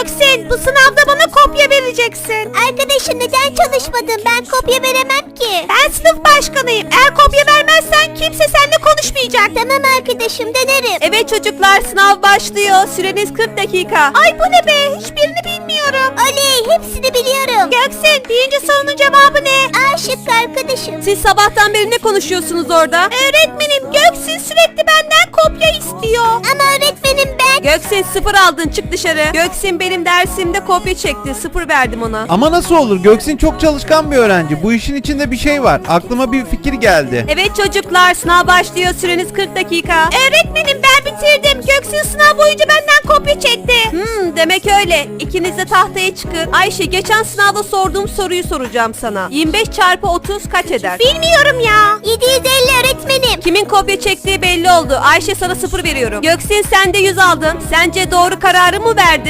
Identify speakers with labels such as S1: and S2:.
S1: Göksin, bu sınavda bana kopya vereceksin.
S2: Arkadaşım neden çalışmadın? Ben kopya veremem ki.
S1: Ben sınıf başkanıyım. Eğer kopya vermezsen kimse seninle konuşmayacak.
S2: Tamam arkadaşım, denerim.
S1: Evet çocuklar, sınav başlıyor. Süreniz 40 dakika. Ay bu ne be? Hiçbirini bilmiyorum.
S2: Oley, hepsini biliyorum.
S1: Göksin, birinci sorunun cevabı ne?
S2: A şıkkı arkadaşım.
S1: Siz sabahtan beri ne konuşuyorsunuz orada? Öğretmenim, Göksin sürekli benden kopya istiyor.
S2: Ama öğretmenim ben...
S1: Göksin 0 aldın, çık dışarı. Göksin benim dersimde kopya çekti. 0 verdim ona.
S3: Ama nasıl olur? Göksin çok çalışkan bir öğrenci. Bu işin içinde bir şey var. Aklıma bir fikir geldi.
S1: Evet çocuklar, sınav başlıyor. Süreniz 40 dakika. Öğretmenim ben bitirdim. Göksin sınav boyunca benden kopya çekti. Demek öyle. İkiniz de tahtaya çıkın. Ayşe, geçen sınavda sorduğum soruyu soracağım sana. 25 çarpı 30 kaç eder?
S2: Bilmiyorum ya. 750 öğretmenim.
S1: Kimin kopya çektiği belli oldu. Ayşe, sana 0 veriyorum. Göksin, sen de 100 aldın. Sence doğru kararı mı verdin?